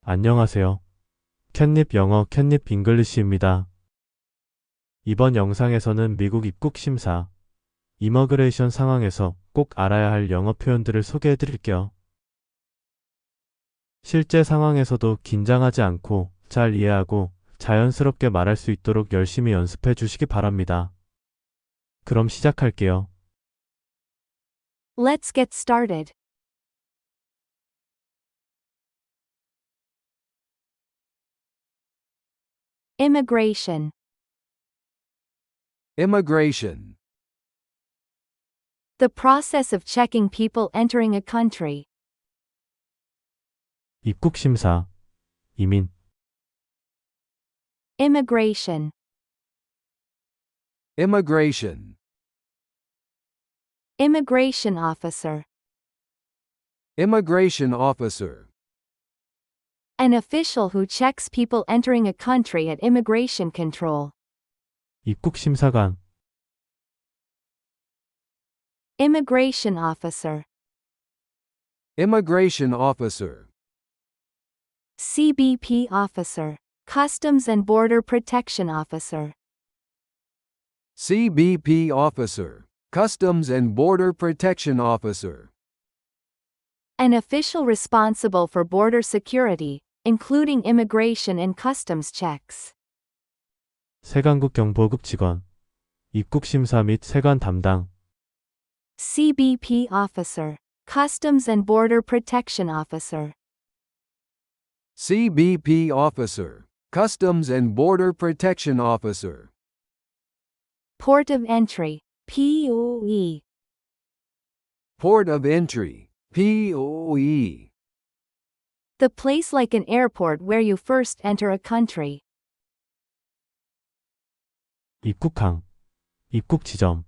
안녕하세요. 캣닙 영어 캣닙 잉글리시입니다. 이번 영상에서는 미국 입국 심사, 이머그레이션 상황에서 꼭 알아야 할 영어 표현들을 소개해 드릴게요. 실제 상황에서도 긴장하지 않고 잘 이해하고 자연스럽게 말할 수 있도록 열심히 연습해 주시기 바랍니다. 그럼 시작할게요. Let's get started. Immigration. Immigration. The process of checking people entering a country. 입국 심사, 이민, Immigration. Immigration. Immigration officer. Immigration officer. An official who checks people entering a country at immigration control. 입국 심사관, Immigration officer. Immigration officer. CBP officer. Customs and Border Protection officer. CBP officer. Customs and Border Protection officer. An official responsible for border security, including immigration and customs checks. 세관국 경보국 직원, 입국 심사 및 세관 담당, CBP officer. Customs and Border Protection officer. CBP officer. Customs and Border Protection officer. Port of entry. POE. Port of entry. POE. The place like an airport where you first enter a country. 입국항, 입국 지점,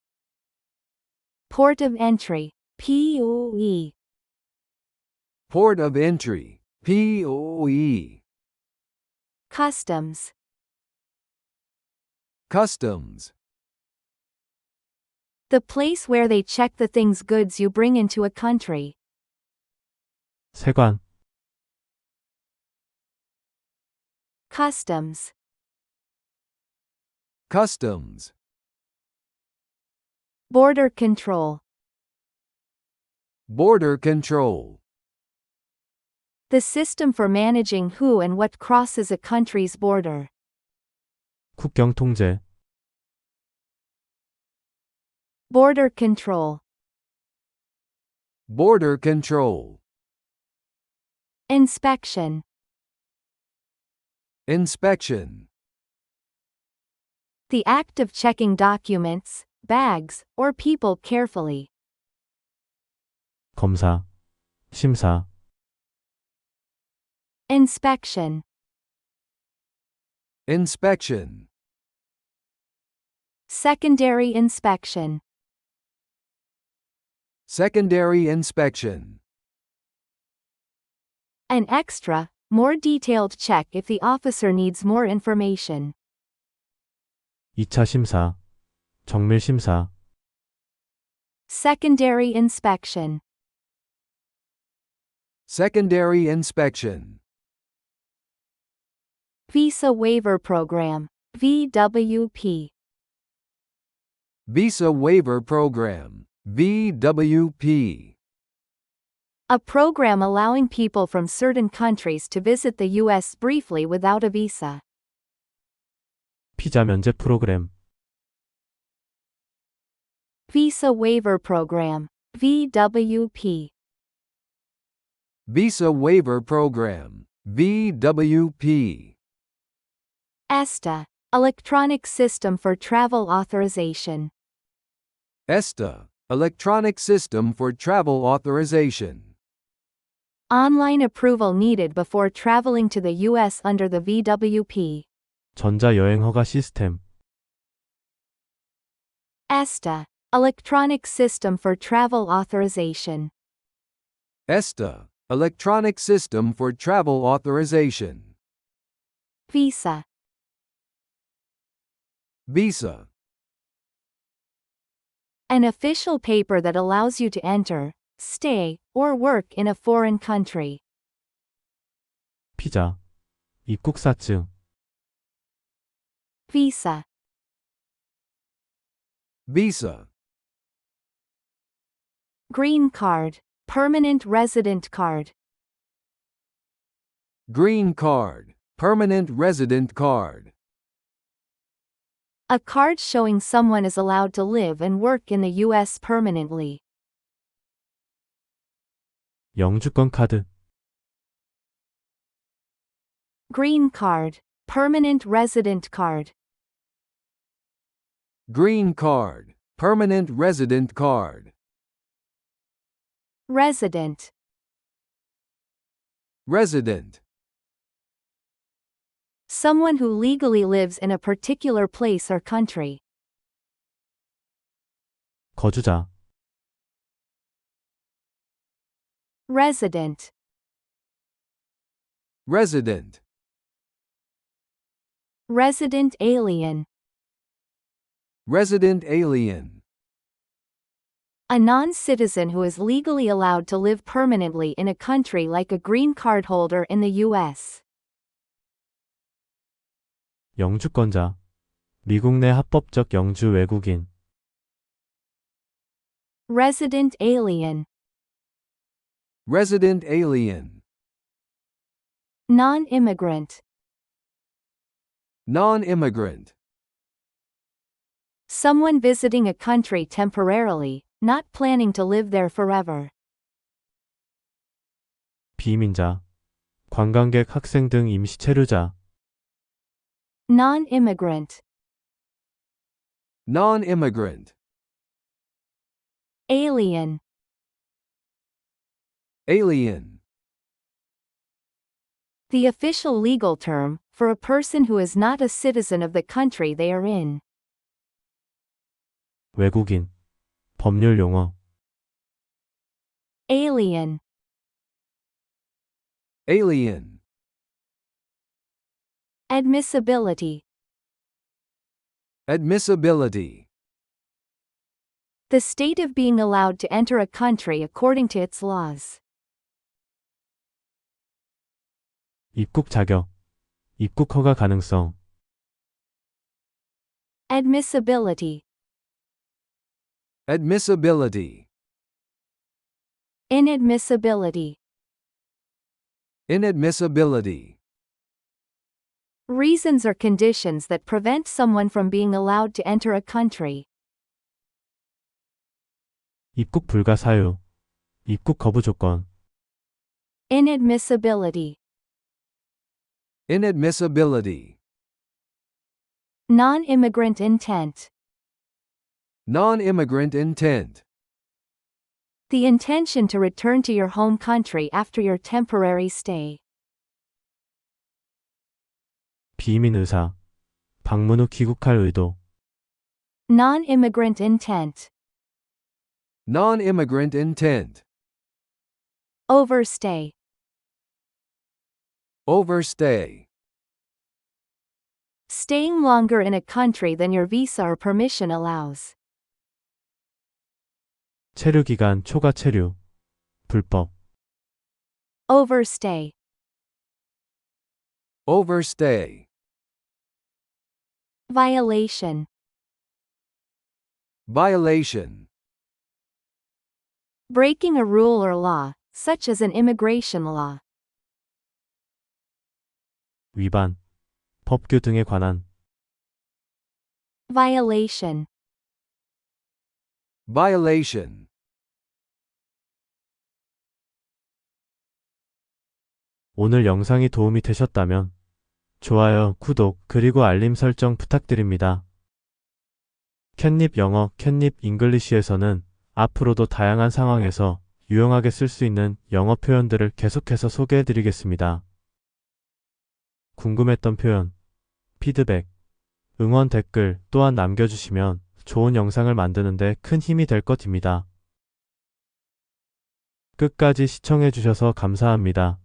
Port of entry. POE. Port of entry. POE. Customs. Customs. The place where they check the things goods you bring into a country. 세관, Customs. Customs. Border control. Border control. The system for managing who and what crosses a country's border. 국경 통제, Border control. Border control. Inspection. Inspection. The act of checking documents, bags, or people carefully. 검사, 심사, Inspection. Inspection. Secondary inspection. Secondary inspection. An extra, more detailed check if the officer needs more information. 2차 심사, 정밀 심사, Secondary inspection. Secondary inspection. Visa Waiver Program. VWP. Visa Waiver Program. VWP. A program allowing people from certain countries to visit the U.S. briefly without a visa. 피자 면제 프로그램, Visa Waiver Program. VWP. Visa Waiver Program. VWP. ESTA. Electronic System for Travel Authorization. ESTA. Electronic System for Travel Authorization. Online approval needed before traveling to the U.S. under the VWP. 전자여행허가 시스템, ESTA. Electronic System for Travel Authorization. ESTA. Electronic System for Travel Authorization. Visa. Visa. An official paper that allows you to enter, stay, or work in a foreign country. 피자, 입국사증, visa, visa, green card, permanent resident card, green card, permanent resident card, a card showing someone is allowed to live and work in the U.S. permanently. 영주권 카드, Green card, permanent resident card, green card, permanent resident card, resident, resident, someone who legally lives in a particular place or country. 거주자, Resident, resident, resident alien, resident alien, a non-citizen who is legally allowed to live permanently in a country like a green card holder in the U.S. 영주권자, 미국 내 합법적 영주 외국인, Resident alien, resident alien, non-immigrant, non-immigrant, someone visiting a country temporarily, not planning to live there forever. 비민자, 관광객, 학생 등 임시 체류자, Non-immigrant, non-immigrant, alien, alien, the official legal term for a person who is not a citizen of the country they are in. 외국인, 법률 용어, Alien, alien, admissibility, admissibility, the state of being allowed to enter a country according to its laws. 입국 자격, 입국 허가 가능성, Admissibility, admissibility, inadmissibility, inadmissibility, reasons or conditions that prevent someone from being allowed to enter a country. 입국 불가 사유, 입국 거부 조건, Inadmissibility, inadmissibility, non-immigrant intent, non-immigrant intent, the intention to return to your home country after your temporary stay. 비이민 의사, 방문 후 귀국할 의도, Non-immigrant intent, non-immigrant intent, overstay, overstay, staying longer in a country than your visa or permission allows. 체류 기간 초과 체류, 불법, Overstay, overstay, violation, violation, breaking a rule or law, such as an immigration law. 위반, 법규 등에 관한, Violation, violation. 오늘 영상이 도움이 되셨다면 좋아요, 구독, 그리고 알림 설정 부탁드립니다. 캣닙 영어, 캣닙 잉글리시에서는 앞으로도 다양한 상황에서 유용하게 쓸 수 있는 영어 표현들을 계속해서 소개해드리겠습니다. 궁금했던 표현, 피드백, 응원 댓글 또한 남겨주시면 좋은 영상을 만드는 데 큰 힘이 될 것입니다. 끝까지 시청해주셔서 감사합니다.